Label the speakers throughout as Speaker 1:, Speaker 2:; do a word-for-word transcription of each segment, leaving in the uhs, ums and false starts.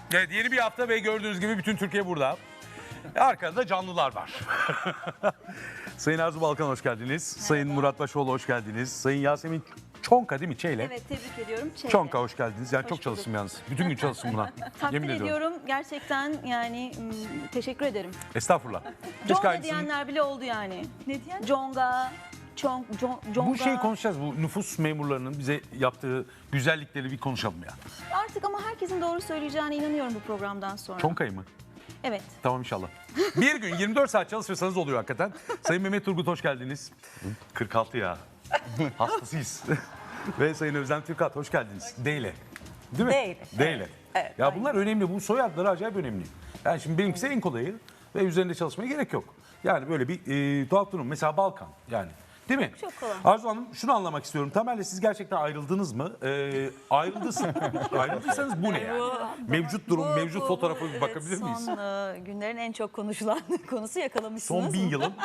Speaker 1: Evet, yeni bir hafta ve gördüğünüz gibi bütün Türkiye burada. Arkada canlılar var. Sayın Arzu Balkan hoş geldiniz. Sayın Murat Başoğlu hoş geldiniz. Sayın Yasemin Çonka değil mi? Çeyle.
Speaker 2: Evet, tebrik ediyorum. Çeyle.
Speaker 1: Çonka hoş geldiniz. Yani
Speaker 2: Hoş
Speaker 1: çok
Speaker 2: bulduk.
Speaker 1: çalıştım yalnız. Bütün gün çalıştım buna.
Speaker 2: Takdir
Speaker 1: Yemin ediyorum.
Speaker 2: ediyorum. Gerçekten yani m, teşekkür ederim.
Speaker 1: Estağfurullah. Keşke
Speaker 2: Conga
Speaker 1: aynısını-
Speaker 2: diyenler bile oldu yani.
Speaker 3: Ne diyen?
Speaker 2: Conga, Çong, Jon- Conga.
Speaker 1: Bu şeyi konuşacağız. Bu nüfus memurlarının bize yaptığı güzellikleri bir konuşalım ya.
Speaker 2: Artık ama herkesin doğru söyleyeceğine inanıyorum bu programdan sonra.
Speaker 1: Çonkayı mı?
Speaker 2: Evet.
Speaker 1: Tamam inşallah. Bir gün yirmi dört saat çalışırsanız oluyor hakikaten. Sayın Mehmet Turgut hoş geldiniz. kırk altı ya. Hastasıyız. Ve Sayın Özlem Türkat hoş geldiniz. Deyle. Değil mi?
Speaker 3: Deyle.
Speaker 1: Deyle.
Speaker 3: Evet,
Speaker 1: Ya
Speaker 3: aynen.
Speaker 1: bunlar önemli. Bu soyadları acayip önemli. Yani şimdi benimkisi en kolayı ve üzerinde çalışmaya gerek yok. Yani böyle bir e, tuhaf durum. Mesela Balkan yani. Değil mi?
Speaker 2: Çok kolay.
Speaker 1: Arzu Hanım şunu anlamak istiyorum. Tamer'le siz gerçekten ayrıldınız mı? Ee, ayrıldıysanız, ayrıldıysanız bu ne yani? Mevcut durum,
Speaker 3: Bu-
Speaker 1: mevcut
Speaker 3: bu-
Speaker 1: fotoğrafı
Speaker 3: bu-
Speaker 1: bir
Speaker 3: evet,
Speaker 1: bakabilir miyiz?
Speaker 3: Son e, günlerin en çok konuşulan konusu yakalamışsınız.
Speaker 1: Son bin yılın.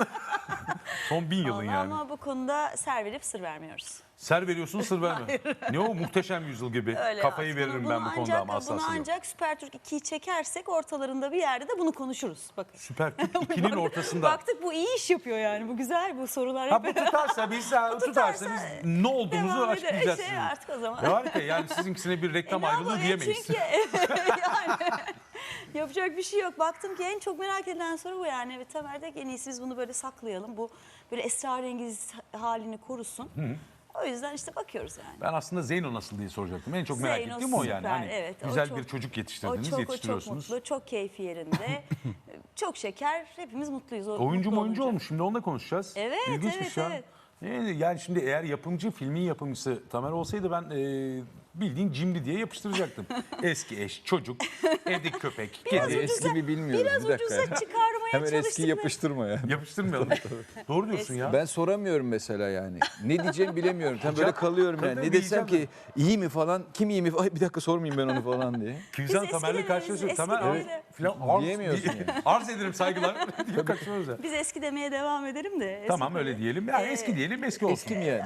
Speaker 1: Son bin yılın
Speaker 3: Vallahi
Speaker 1: yani.
Speaker 3: Ama bu konuda ser verip sır vermiyoruz.
Speaker 1: Ser veriyorsun sır verme. Ne o muhteşem yüzyıl gibi.
Speaker 3: Öyle
Speaker 1: Kafayı
Speaker 3: ya.
Speaker 1: veririm
Speaker 3: Bunu-
Speaker 1: ben
Speaker 3: bunu
Speaker 1: bu konuda
Speaker 3: ancak,
Speaker 1: ama asla
Speaker 3: Bunu
Speaker 1: sır yok.
Speaker 3: ancak Süper Türk ikiyi çekersek ortalarında bir yerde de bunu konuşuruz. Bakın.
Speaker 1: Süper Türk ikinin ortasında.
Speaker 3: Baktık bu iyi iş yapıyor yani. Bu güzel, bu sorular
Speaker 1: Ha
Speaker 3: hep
Speaker 1: bu tutarsa biz, ha, tutarsa biz ne olduğumuzu
Speaker 3: devam eder.
Speaker 1: açıklayacağız
Speaker 3: Şey
Speaker 1: size.
Speaker 3: artık o zaman.
Speaker 1: Ya harika yani sizinkisine bir reklam
Speaker 3: E, ne
Speaker 1: ayrılığı
Speaker 3: yapalım?
Speaker 1: diyemeyiz.
Speaker 3: Çünkü yani yapacak bir şey yok. Baktım ki en çok merak edilen soru bu yani. Evet, Tamer de en iyisi biz bunu böyle saklayalım. Bu böyle esrarengiz halini korusun. O yüzden işte bakıyoruz yani.
Speaker 1: Ben aslında Zeyno nasıl diye soracaktım. En çok merak
Speaker 3: Zeyno
Speaker 1: ettiğim o yani.
Speaker 3: süper,
Speaker 1: Hani
Speaker 3: evet. O
Speaker 1: güzel
Speaker 3: çok-
Speaker 1: bir çocuk
Speaker 3: O
Speaker 1: yetiştirdiniz,
Speaker 3: çok, o çok
Speaker 1: yetiştiriyorsunuz.
Speaker 3: mutlu, çok keyfi yerinde. Çok şeker, hepimiz mutluyuz. O-
Speaker 1: Oyuncu
Speaker 3: mutlu
Speaker 1: mu oyuncu
Speaker 3: olunca.
Speaker 1: olmuş. Şimdi onunla konuşacağız.
Speaker 3: Evet,
Speaker 1: İlginçmiş
Speaker 3: evet,
Speaker 1: ya.
Speaker 3: evet.
Speaker 1: Yani, yani şimdi eğer yapımcı, filmin yapımcısı Tamer olsaydı ben e, bildiğin cimri diye yapıştıracaktım. Eski eş, çocuk, evdeki köpek, kedi.
Speaker 4: Eski mi bilmiyorum.
Speaker 3: Biraz
Speaker 4: bir dakika.
Speaker 3: ucuza
Speaker 4: ya.
Speaker 3: çıkarmaya
Speaker 4: Hemen
Speaker 3: çalıştık.
Speaker 4: eskiyi
Speaker 3: ve-
Speaker 4: yapıştırma ya.
Speaker 1: Yapıştırmayalım. Doğru diyorsun ya.
Speaker 4: Ben soramıyorum mesela yani. Ne diyeceğimi bilemiyorum. Tam böyle kalıyorum yani.
Speaker 1: Tabii
Speaker 4: Ne desem
Speaker 1: diyeceğim
Speaker 4: ki iyi mi falan, kim iyi mi? Ay bir dakika sormayayım ben onu falan diye.
Speaker 1: Küzen
Speaker 3: Biz
Speaker 1: Tamer'le
Speaker 3: eskileri,
Speaker 1: karşılaşıyoruz.
Speaker 3: biz
Speaker 1: Tamer
Speaker 3: eskileri
Speaker 1: evet.
Speaker 3: de-
Speaker 1: Falan arz,
Speaker 4: Diyemiyorsun yani.
Speaker 1: arz ederim saygılar. diye kaçıyoruz ya.
Speaker 3: Biz eski demeye devam edelim de. eski
Speaker 1: Tamam öyle
Speaker 3: diye.
Speaker 1: diyelim. Yani
Speaker 3: Ee,
Speaker 1: eski diyelim, eski olsun.
Speaker 4: Eski mi yani?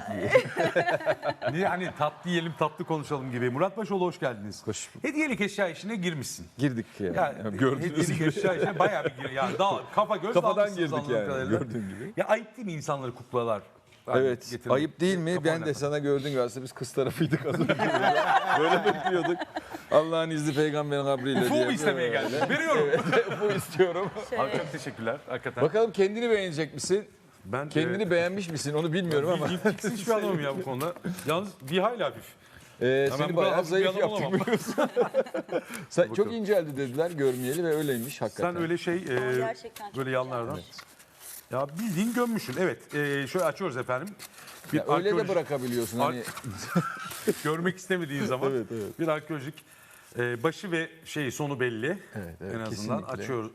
Speaker 1: Niye hani tatlı yiyelim, tatlı konuşalım gibi. Murat Başoğlu hoş geldiniz.
Speaker 4: Hoş bulduk.
Speaker 1: Hediyelik eşya işine girmişsin.
Speaker 4: Girdik ya.
Speaker 1: Ya,
Speaker 4: Ya gördüğünüz
Speaker 1: hediyelik
Speaker 4: gibi.
Speaker 1: eşya işine bayağı bir gir. Yani daha kafa göz
Speaker 4: Kafadan
Speaker 1: dalmışsınız
Speaker 4: girdik
Speaker 1: anladığım
Speaker 4: yani,
Speaker 1: kadarıyla.
Speaker 4: gördüğün gibi.
Speaker 1: Ya ayıp değil mi insanları kuklalar? hani
Speaker 4: Evet.
Speaker 1: getirmek?
Speaker 4: Ayıp değil mi?
Speaker 1: Kafa
Speaker 4: Ben de
Speaker 1: oynatmak.
Speaker 4: sana gördüğün gibi aslında biz kız tarafıydık az önce. Böyle bekliyorduk. Allah'ın izni peygamberin kabriyle
Speaker 1: Ufu
Speaker 4: diye.
Speaker 1: mu istemeye geldim? Veriyorum.
Speaker 4: Bu istiyorum.
Speaker 1: Abi çok teşekkürler hakikaten.
Speaker 4: Bakalım kendini beğenecek misin?
Speaker 1: ben
Speaker 4: Kendini
Speaker 1: e,
Speaker 4: beğenmiş misin? Onu bilmiyorum ama.
Speaker 1: bildiğin fix hiçbir adamım ya bu konuda. Yalnız bir hayli hafif.
Speaker 4: Ee,
Speaker 1: Ya ben
Speaker 4: seni
Speaker 1: bu kadar
Speaker 4: bayağı
Speaker 1: hafif bir
Speaker 4: zayıf
Speaker 1: adam
Speaker 4: yaptık
Speaker 1: olamam.
Speaker 4: biliyorsun. Sen çok
Speaker 1: Bakalım.
Speaker 4: inceldi dediler görmeyeli ve öyleymiş hakikaten.
Speaker 1: Sen öyle şey e,
Speaker 3: gerçekten çok
Speaker 1: böyle yanlardan. Ya bildiğin gömmüşsün. Evet. E, şöyle açıyoruz efendim. Bir
Speaker 4: Ya öyle de
Speaker 1: arkeolojik-
Speaker 4: bırakabiliyorsun hani.
Speaker 1: görmek istemediğin zaman
Speaker 4: Evet, evet.
Speaker 1: bir arkeolojik e, başı ve şeyi sonu belli.
Speaker 4: Evet, evet,
Speaker 1: en azından
Speaker 4: kesinlikle.
Speaker 1: açıyoruz.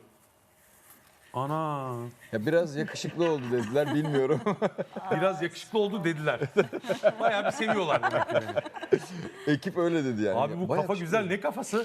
Speaker 1: Ana
Speaker 4: Ya biraz yakışıklı oldu dediler bilmiyorum.
Speaker 1: biraz yakışıklı oldu dediler. Bayağı bir seviyorlar demek ki beni.
Speaker 4: Ekip öyle dedi yani.
Speaker 1: Abi bu
Speaker 4: Bayağı
Speaker 1: kafa güzel, ne kafası?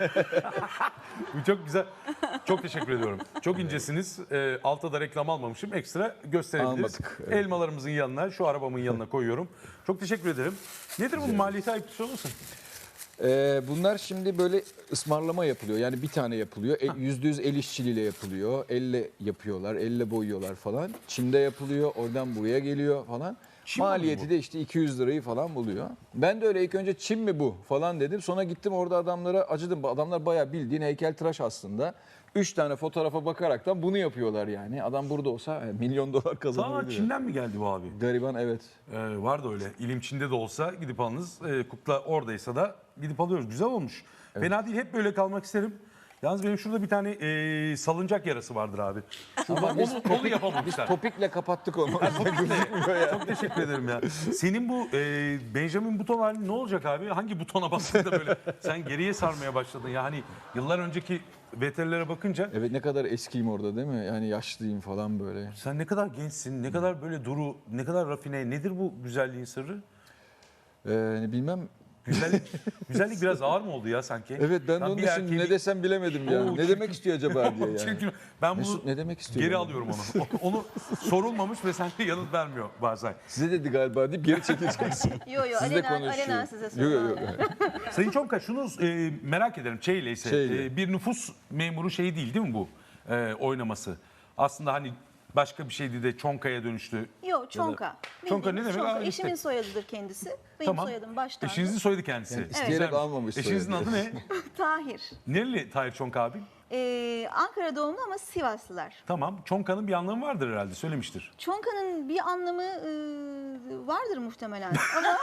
Speaker 1: Bu çok güzel. Çok teşekkür ediyorum. Çok incesiniz. E, altta da reklam almamışım. Ekstra gösterebiliriz.
Speaker 4: Almadık, evet.
Speaker 1: Elmalarımızın yanına, şu arabamın yanına koyuyorum. Çok teşekkür ederim. Nedir bunun maliyeti ayıp olmasın?
Speaker 4: Ee, bunlar şimdi böyle ısmarlama yapılıyor. Yani bir tane yapılıyor. E, Yüzde yüz el işçiliğiyle yapılıyor. Elle yapıyorlar, elle boyuyorlar falan. Çin'de yapılıyor, oradan buraya geliyor falan.
Speaker 1: Çin malı
Speaker 4: Maliyeti
Speaker 1: bu.
Speaker 4: de işte iki yüz lirayı falan buluyor. Ben de öyle ilk önce Çin mi bu falan dedim. Sonra gittim orada adamlara acıdım. Adamlar bayağı bildiğin heykeltıraş aslında. Üç tane fotoğrafa bakaraktan bunu yapıyorlar yani. Adam burada olsa e, milyon dolar
Speaker 1: Sana
Speaker 4: kazanabilir.
Speaker 1: Çin'den mi geldi bu abi?
Speaker 4: Gariban evet.
Speaker 1: Ee, var da öyle. İlim Çin'de de olsa gidip alınız. Ee, kukla oradaysa da gidip alıyoruz. Güzel olmuş. Fena değil. Hep böyle kalmak isterim. Yalnız benim şurada bir tane e, salıncak yarası vardır abi. Şurada onu, onu yapamamışlar.
Speaker 4: Topikle kapattık onu.
Speaker 1: Çok teşekkür ederim ya. Senin bu e, Benjamin Button halin ne olacak abi? Hangi butona bastığında böyle sen geriye sarmaya başladın? Yani yıllar önceki veterilere bakınca
Speaker 4: Evet ne kadar eskiyim orada değil mi? Yani yaşlıyım falan böyle.
Speaker 1: sen ne kadar gençsin, ne kadar böyle duru, ne kadar rafine, nedir bu güzelliğin sırrı?
Speaker 4: Ee, bilmem
Speaker 1: Güzellik, güzellik biraz ağır mı oldu ya sanki?
Speaker 4: Evet ben de
Speaker 1: Lan
Speaker 4: onun
Speaker 1: bir
Speaker 4: için
Speaker 1: erkeği
Speaker 4: ne
Speaker 1: bir-
Speaker 4: desem bilemedim ya.
Speaker 1: Oo,
Speaker 4: Ne
Speaker 1: çirkin.
Speaker 4: demek istiyor acaba diye yani.
Speaker 1: Çünkü ben bunu
Speaker 4: Mesut ne demek istiyor?
Speaker 1: geri
Speaker 4: yani?
Speaker 1: alıyorum onu. O- Onu sorulmamış ve sen de yanıt vermiyor bazen.
Speaker 4: Size dedi galiba deyip geri çekeceksin.
Speaker 2: Yo yo
Speaker 4: Siz de
Speaker 2: alenen,
Speaker 4: konuşuyor.
Speaker 2: alenen size
Speaker 4: Yok
Speaker 2: söylüyorum.
Speaker 4: yok yok.
Speaker 1: Sayın Çonka şunu e, merak ederim. Çeyle ise
Speaker 4: Çeyle.
Speaker 1: e, bir nüfus memuru şeyi değil değil mi bu e, oynaması? Aslında hani başka bir şeydi de Çonka'ya dönüştü.
Speaker 2: Yo Çonka.
Speaker 1: Çonka ne
Speaker 2: Bildiğimiz
Speaker 1: demek?
Speaker 2: Çonka.
Speaker 1: Aa, işte.
Speaker 2: Eşimin soyadıdır kendisi. Benim
Speaker 1: Tamam.
Speaker 2: soyadım baştan.
Speaker 1: Eşinizin soyadı kendisi.
Speaker 4: Yani isteyerek
Speaker 1: Güzelmiş.
Speaker 4: almamış
Speaker 1: Eşinizin
Speaker 4: soyadı.
Speaker 1: adı ne?
Speaker 2: Tahir.
Speaker 1: Nereli Tahir Çonka abi?
Speaker 2: Ee, Ankara doğumlu ama Sivaslılar.
Speaker 1: Tamam. Çonka'nın bir anlamı vardır herhalde söylemiştir.
Speaker 2: Çonka'nın bir anlamı e, vardır muhtemelen. Ama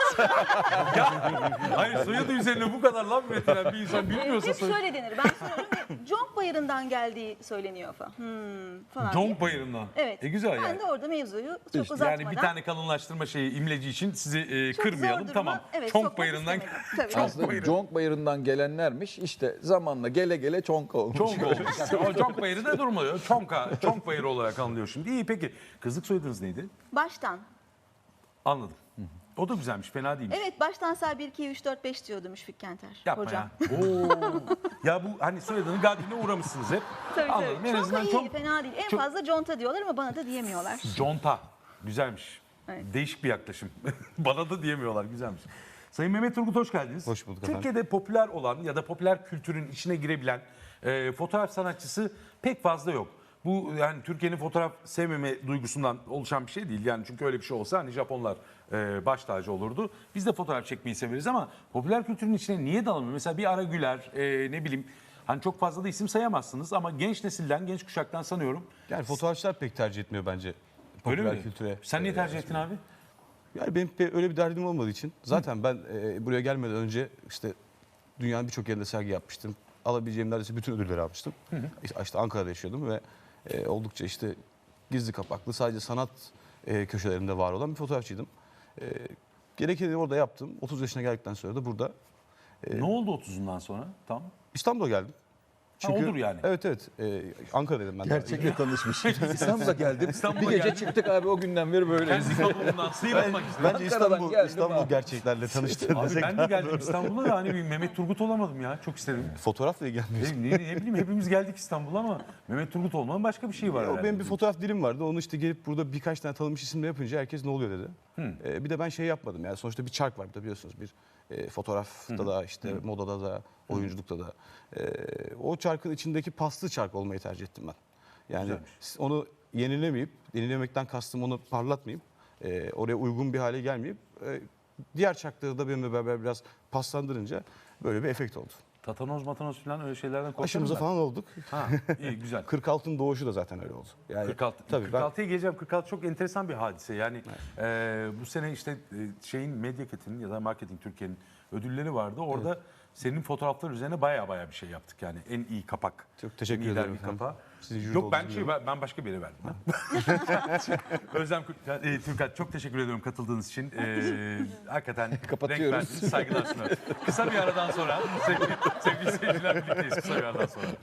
Speaker 1: Hayır soyadı üzerine bu kadar laf üretilen bir insan bilmiyorsa
Speaker 2: hep
Speaker 1: soyadı.
Speaker 2: şöyle denir. Ben soruyorum ve Conk Bayırı'ndan geldiği söyleniyor falan. Hmm, falan diye.
Speaker 1: Conk Bayırı'ndan.
Speaker 2: Evet.
Speaker 1: E güzel
Speaker 2: ben
Speaker 1: yani.
Speaker 2: de orada mevzuyu çok uzatmadan.
Speaker 1: Yani bir tane kalınlaştırma şeyi imleci için sizi e,
Speaker 2: çok zor
Speaker 1: kırmayalım.
Speaker 2: duruma,
Speaker 1: Tamam.
Speaker 2: evet,
Speaker 1: Çonk
Speaker 2: sokmak
Speaker 1: Bayırı'ndan
Speaker 2: istemedim. Tabii.
Speaker 1: Çonk
Speaker 4: Aslında
Speaker 1: Bayırı.
Speaker 4: Conk Bayırı'ndan gelenlermiş işte zamanla gele gele Çonk olmuş.
Speaker 1: Çonk olmuş. Yani o Çonk Bayırı da durmuyor. Çonka, Çonk Bayırı olarak anılıyor şimdi. İyi peki. Kızlık soyadınız neydi?
Speaker 2: Baştan.
Speaker 1: Anladım. O da güzelmiş. Fena değilmiş.
Speaker 2: Evet baştan say bir, iki, üç, dört, beş diyordu Müşfik Kenter.
Speaker 1: Yapma
Speaker 2: hocam.
Speaker 1: ya. Oo. Ya bu hani soyadının gadine uğramışsınız hep.
Speaker 2: Tabii
Speaker 1: Anladım.
Speaker 2: tabii.
Speaker 1: En
Speaker 2: Çonka
Speaker 1: azından
Speaker 2: iyi,
Speaker 1: çok
Speaker 2: fena değil. En
Speaker 1: çok-
Speaker 2: fazla conta diyorlar ama bana da diyemiyorlar.
Speaker 1: conta. Güzelmiş.
Speaker 2: Evet.
Speaker 1: Değişik bir yaklaşım. Bana da diyemiyorlar. Güzelmiş. Sayın Mehmet Turgut hoş geldiniz.
Speaker 5: Hoş bulduk efendim.
Speaker 1: Türkiye'de popüler olan ya da popüler kültürün içine girebilen e, fotoğraf sanatçısı pek fazla yok. Bu yani Türkiye'nin fotoğraf sevmeme duygusundan oluşan bir şey değil. Yani çünkü öyle bir şey olsa hani Japonlar e, baş tacı olurdu. Biz de fotoğraf çekmeyi severiz ama popüler kültürün içine niye dalamıyor? Mesela bir Ara Güler, e, ne bileyim hani çok fazla da isim sayamazsınız ama genç nesilden, genç kuşaktan sanıyorum.
Speaker 5: Yani fotoğrafçılar pek tercih etmiyor bence
Speaker 1: Öyle
Speaker 5: popüler
Speaker 1: mi?
Speaker 5: kültüre.
Speaker 1: Sen niye
Speaker 5: Ee,
Speaker 1: tercih ettin abi?
Speaker 5: Yani benim pe- öyle bir derdim olmadığı için. Zaten ben e, buraya gelmeden önce işte dünyanın birçok yerinde sergi yapmıştım. Alabileceğim neredeyse bütün ödülleri almıştım. İşte, işte Ankara'da yaşıyordum ve e, oldukça işte gizli kapaklı sadece sanat e, köşelerinde var olan bir fotoğrafçıydım. E, gerekeni orada yaptım. otuz yaşına geldikten sonra da burada
Speaker 1: Ne oldu otuzundan sonra? Tam.
Speaker 5: İstanbul'a geldim.
Speaker 1: olur yani.
Speaker 5: Evet evet. E, Ankara'daydım ben. daha önce.
Speaker 4: Gerçekle tanışmış. İstanbul'a geldim.
Speaker 1: İstanbul'a
Speaker 4: bir gece
Speaker 1: geldim.
Speaker 4: çıktık abi o günden beri böyle.
Speaker 1: Kendi İstanbul'undan sıyrılmak istedim.
Speaker 5: Bence
Speaker 4: Ankara'dan
Speaker 5: İstanbul,
Speaker 4: geldim
Speaker 5: İstanbul
Speaker 4: abi.
Speaker 5: gerçeklerle tanıştım.
Speaker 1: Abi
Speaker 5: desek
Speaker 1: ben de
Speaker 5: daha
Speaker 1: geldim
Speaker 5: doğru.
Speaker 1: İstanbul'a da hani bir Mehmet Turgut olamadım ya. Çok istedim.
Speaker 5: Fotoğrafla ilgilenmiyorsun.
Speaker 1: Ne, ne, ne bileyim hepimiz geldik İstanbul'a ama Mehmet Turgut olmanın başka bir şey var
Speaker 5: O
Speaker 1: herhalde.
Speaker 5: benim bir fotoğraf dilim vardı. Onu işte gelip burada birkaç tane tanınmış isimle yapınca herkes ne oluyor dedi. Ee, bir de ben şey yapmadım. Yani sonuçta bir çark var bir de biliyorsunuz. Bir e, fotoğrafta da işte modada da oyunculukta da. Ee, o çarkın içindeki paslı çark olmayı tercih ettim ben. Yani
Speaker 1: Güzelmiş.
Speaker 5: onu yenilemeyip, yenilemekten kastım onu parlatmayıp, e, oraya uygun bir hale gelmeyip e, diğer çarkları da benimle beraber biraz paslandırınca böyle bir efekt oldu.
Speaker 1: Tatanoz matanoz falan öyle şeylerden korkarım
Speaker 5: Aşımıza
Speaker 1: ben.
Speaker 5: falan olduk.
Speaker 1: Ha iyi güzel.
Speaker 5: kırk altının doğuşu da zaten öyle oldu. Yani,
Speaker 1: kırk altı.
Speaker 5: Tabii ben-
Speaker 1: kırk altıya geleceğim. kırk altı çok enteresan bir hadise. Yani e, bu sene işte e, şeyin Medyaket'in ya da Marketing Türkiye'nin ödülleri vardı. Orada senin fotoğraflar üzerine baya baya bir şey yaptık yani. En iyi kapak.
Speaker 5: Çok teşekkür
Speaker 1: en iyi
Speaker 5: ederim
Speaker 1: dergi
Speaker 5: efendim.
Speaker 1: kapağı.
Speaker 5: Sizin jüri
Speaker 1: Yok ben
Speaker 5: olduğunuzu
Speaker 1: şey ben, ben başka bir yere verdim. Özlem Kür- e, Türkat çok teşekkür ediyorum katıldığınız için. E, hakikaten renk
Speaker 4: Kapatıyoruz.
Speaker 1: verdiniz. Saygılar sunarım. Kısa bir aradan sonra sevgili, sevgili seyirciler birlikteyiz kısa bir aradan sonra.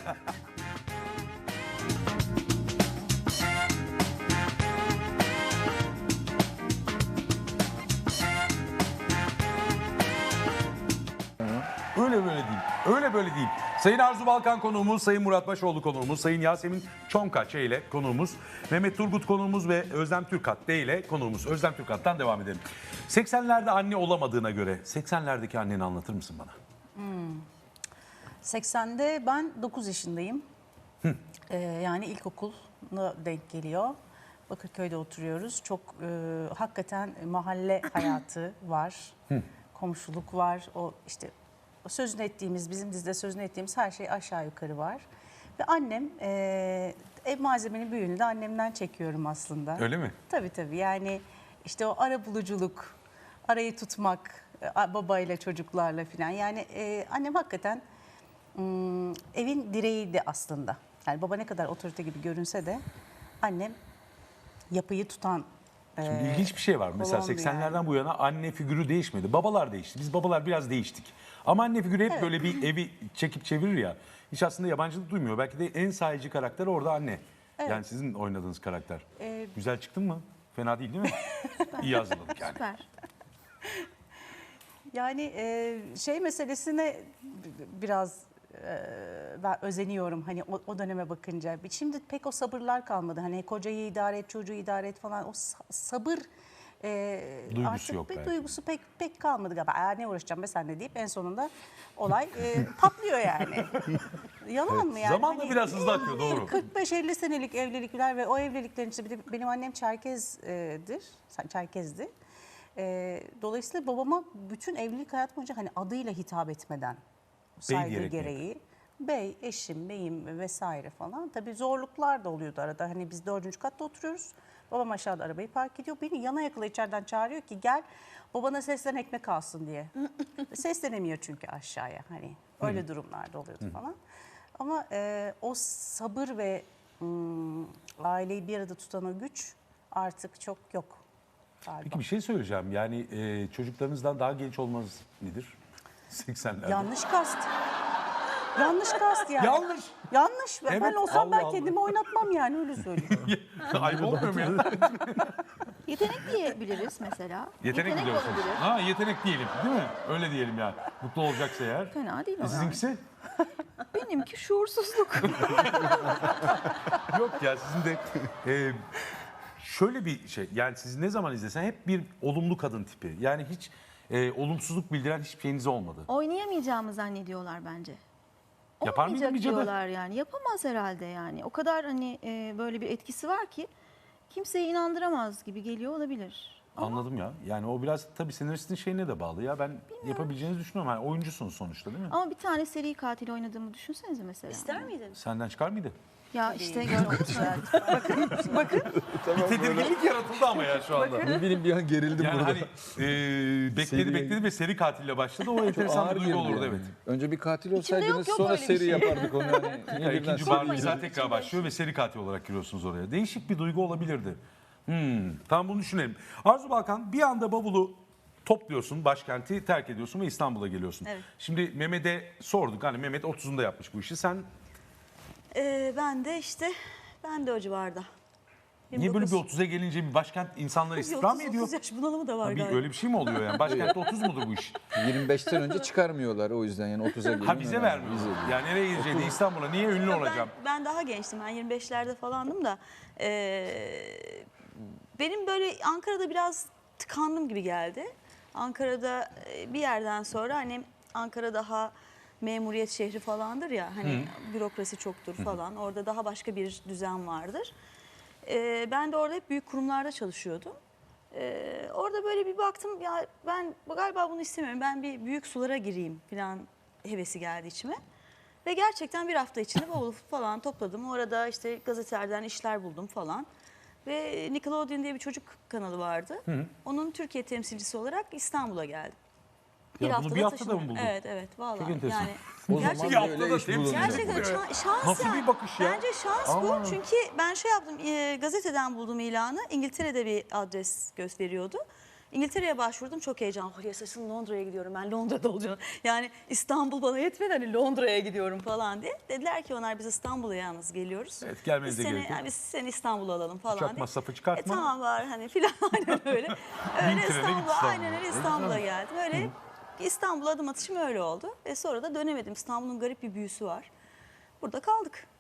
Speaker 1: Öyle böyle değil. Öyle böyle değil. Sayın Arzu Balkan konuğumuz, Sayın Murat Başoğlu konuğumuz, Sayın Yasemin Çonka ile konuğumuz, Mehmet Turgut konuğumuz ve Özlem Türkat D ile konuğumuz. Özlem Türkat'tan devam edelim. seksenlerde anne olamadığına göre seksenlerdeki anneni anlatır mısın bana?
Speaker 6: seksende ben dokuz yaşındayım. Ee, yani ilkokuluna denk geliyor. Bakırköy'de oturuyoruz. Çok e, hakikaten mahalle hayatı var. Komşuluk var. O işte o sözünü ettiğimiz, bizim dizide sözünü ettiğimiz her şey aşağı yukarı var. Ve annem, e, ev malzemenin büyüğünü de annemden çekiyorum aslında.
Speaker 1: Öyle mi?
Speaker 6: Tabii tabii. Yani işte o ara buluculuk, arayı tutmak, e, babayla çocuklarla falan. Yani e, annem hakikaten m, evin direğiydi aslında. Yani baba ne kadar otorite gibi görünse de annem yapıyı tutan.
Speaker 1: Şimdi
Speaker 6: e,
Speaker 1: ilginç bir şey var. Mesela
Speaker 6: kolondu
Speaker 1: seksenlerden
Speaker 6: yani.
Speaker 1: bu yana anne figürü değişmedi. Babalar değişti. Biz babalar biraz değiştik. Ama anne figürü hep böyle bir evi çekip çevirir ya. Hiç aslında yabancılık duymuyor. Belki de en sahici karakter orada anne. Yani sizin oynadığınız karakter.
Speaker 6: Ee,
Speaker 1: Güzel çıktın mı? Fena değil değil mi? İyi hazırladık yani.
Speaker 2: Süper.
Speaker 6: Yani e, şey meselesine b- biraz e, ben özeniyorum hani o, o döneme bakınca. Şimdi pek o sabırlar kalmadı. Hani kocayı idare et, çocuğu idare et falan. O sa- sabır e,
Speaker 1: Duygusu
Speaker 6: artık
Speaker 1: yok
Speaker 6: bir
Speaker 1: belki.
Speaker 6: duygusu pek pek kalmadı galiba. Aa, ne uğraşacağım be senle deyip en sonunda olay e, patlıyor yani. Yalan mı yani?
Speaker 1: Zamanla
Speaker 6: Hani
Speaker 1: biraz hızlı akıyor, doğru.
Speaker 6: kırk beş elli senelik evlilikler ve o evliliklerin işte bir de benim annem Çerkez'dir. Çerkez'di. Ee, dolayısıyla babama bütün evlilik hayatı boyunca hani adıyla hitap etmeden saygı
Speaker 1: diyerek mi?
Speaker 6: gereği bey, eşim, beyim vesaire falan. Tabii zorluklar da oluyordu arada. Hani biz dördüncü katta oturuyoruz. Babam aşağıda arabayı park ediyor. Beni yana yakıla içeriden çağırıyor ki gel babana seslen ekmek alsın diye. Seslenemiyor çünkü aşağıya. Hani öyle durumlarda oluyordu falan. Ama e, o sabır ve ım, aileyi bir arada tutan o güç artık çok yok galiba.
Speaker 1: Peki bir şey söyleyeceğim. Yani e, çocuklarınızdan daha genç olmanız nedir? seksenlerde.
Speaker 6: Yanlış kast. Yanlış kast yani.
Speaker 1: Yanlış.
Speaker 6: Yanlış. Ben
Speaker 1: Evet,
Speaker 6: olsam ben
Speaker 1: Allah
Speaker 6: kendimi oynatmam yani öyle söyleyeyim.
Speaker 1: Ayıp olmuyor mu ya?
Speaker 2: Yetenek diyebiliriz mesela.
Speaker 1: Yetenek, mi diyorsunuz?
Speaker 2: olabilir.
Speaker 1: Ha, yetenek diyelim değil mi? Öyle diyelim yani. Mutlu olacaksa eğer.
Speaker 2: Fena değil o
Speaker 1: E,
Speaker 2: yani.
Speaker 1: sizinkisi?
Speaker 2: Benimki şuursuzluk.
Speaker 1: Yok ya, sizin de e, şöyle bir şey. Yani siz ne zaman izlesen hep bir olumlu kadın tipi. Yani hiç e, olumsuzluk bildiren hiçbir şeyiniz olmadı.
Speaker 2: Oynayamayacağımı zannediyorlar bence.
Speaker 1: Yapar mıydın
Speaker 2: Olmayacak
Speaker 1: bir cadı?
Speaker 2: diyorlar yani. Yapamaz herhalde yani. O kadar hani e, böyle bir etkisi var ki kimseyi inandıramaz gibi geliyor olabilir.
Speaker 1: Anladım ya. Yani o biraz tabii senaristin şeyine de bağlı ya. Ben yapabileceğinizi düşünüyorum. Yani oyuncusunuz sonuçta değil mi?
Speaker 2: Ama bir tane seri katil oynadığımı düşünsenize mesela.
Speaker 3: İster miydin?
Speaker 1: Senden çıkar mıydı?
Speaker 2: Ya işte gördünüz mü?
Speaker 1: Bir tedirginlik yaratıldı ama ya şu anda.
Speaker 4: Ne bileyim bir an gerildim
Speaker 1: Yani
Speaker 4: burada.
Speaker 1: hani e, bekledi
Speaker 4: Seri-
Speaker 1: bekledi ve seri katille başladı. O enteresan bir
Speaker 4: Ağır
Speaker 1: duygu
Speaker 4: girdi
Speaker 1: olurdu
Speaker 4: yani.
Speaker 1: evet.
Speaker 4: Önce bir katil
Speaker 2: yok,
Speaker 4: olsaydınız
Speaker 2: yok
Speaker 4: sonra
Speaker 2: öyle bir
Speaker 4: seri
Speaker 2: şey.
Speaker 4: yapardık onu. Yani.
Speaker 1: Yani
Speaker 4: Niye birden
Speaker 1: ikinci
Speaker 4: seri
Speaker 1: bölüm
Speaker 4: girdiniz?
Speaker 1: tekrar başlıyor ve seri katil olarak giriyorsunuz oraya. Değişik bir duygu olabilirdi. Hmm, tamam, bunu düşünelim. Arzu Balkan, bir anda bavulu topluyorsun, başkenti terk ediyorsun ve İstanbul'a geliyorsun.
Speaker 3: Evet.
Speaker 1: Şimdi Mehmet'e sorduk. Hani Mehmet otuzunda yapmış bu işi. Sen
Speaker 3: Ee, ben de işte ben de o civarda.
Speaker 1: niye böyle bir otuza gelince bir başkent insanları istihdam mı ediyor?
Speaker 3: otuz yaş bunalımı da var
Speaker 1: Bir,
Speaker 3: galiba.
Speaker 1: öyle bir şey mi oluyor yani? Başkentte otuz mudur bu iş?
Speaker 4: yirmi beşten önce çıkarmıyorlar o yüzden yani otuza geliyor.
Speaker 1: Ha, bize vermiyor. Yani nereye gideceğini, İstanbul'a niye ünlü olacağım?
Speaker 3: Ben, ben daha gençtim. Ben yirmi beşlerde falandım da. eee, benim böyle Ankara'da biraz tıkandım gibi geldi. Ankara'da e, bir yerden sonra hani Ankara daha memuriyet şehri falandır ya. Hani bürokrasi çoktur falan. Orada daha başka bir düzen vardır. Eee, ben de orada hep büyük kurumlarda çalışıyordum. Eee, orada böyle bir baktım ya ben galiba bunu istemiyorum. Ben bir büyük sulara gireyim falan hevesi geldi içime. Ve gerçekten bir hafta içinde bavulu falan topladım. Orada işte gazetelerden işler buldum falan. Ve Nickelodeon diye bir çocuk kanalı vardı. Onun Türkiye temsilcisi olarak İstanbul'a geldim.
Speaker 1: Ya bunu bir haftada
Speaker 3: taşındım.
Speaker 1: mı buldun?
Speaker 3: Evet evet vallahi.
Speaker 1: Çok enteresan.
Speaker 3: Yani
Speaker 4: O
Speaker 3: gerçekten-
Speaker 4: zaman
Speaker 1: haftada
Speaker 4: böyle iş
Speaker 1: temsil-
Speaker 4: bulunacak.
Speaker 3: Gerçekten şa- şans
Speaker 1: Nasıl
Speaker 3: yani.
Speaker 1: bir bakış ya?
Speaker 3: Bence şans
Speaker 1: Aman.
Speaker 3: bu. Çünkü ben şey yaptım, e, gazeteden buldum ilanı. İngiltere'de bir adres gösteriyordu. İngiltere'ye başvurdum, çok heyecanlı. Oh, yaşasın, Londra'ya gidiyorum, ben Londra'da olacağım. Yani İstanbul bana yetmedi, hani Londra'ya gidiyorum falan diye. Dediler ki onlar biz İstanbul'a yalnız geliyoruz.
Speaker 1: Evet, gelmenize
Speaker 3: Biz seni-
Speaker 1: gerek yok.
Speaker 3: yani biz seni İstanbul'a alalım falan
Speaker 1: Uçak
Speaker 3: diye.
Speaker 1: masrafı çıkartma.
Speaker 3: E, tamam var hani filan aynen öyle.
Speaker 1: Bin
Speaker 3: Öyle
Speaker 1: trene git
Speaker 3: İstanbul'a,
Speaker 1: İstanbul'a.
Speaker 3: aynen öyle
Speaker 1: Ne
Speaker 3: İstanbul'a
Speaker 1: güzel.
Speaker 3: geldim. Öyle İstanbul'a adım atışım öyle oldu. Ve sonra da dönemedim. İstanbul'un garip bir büyüsü var. Burada kaldık.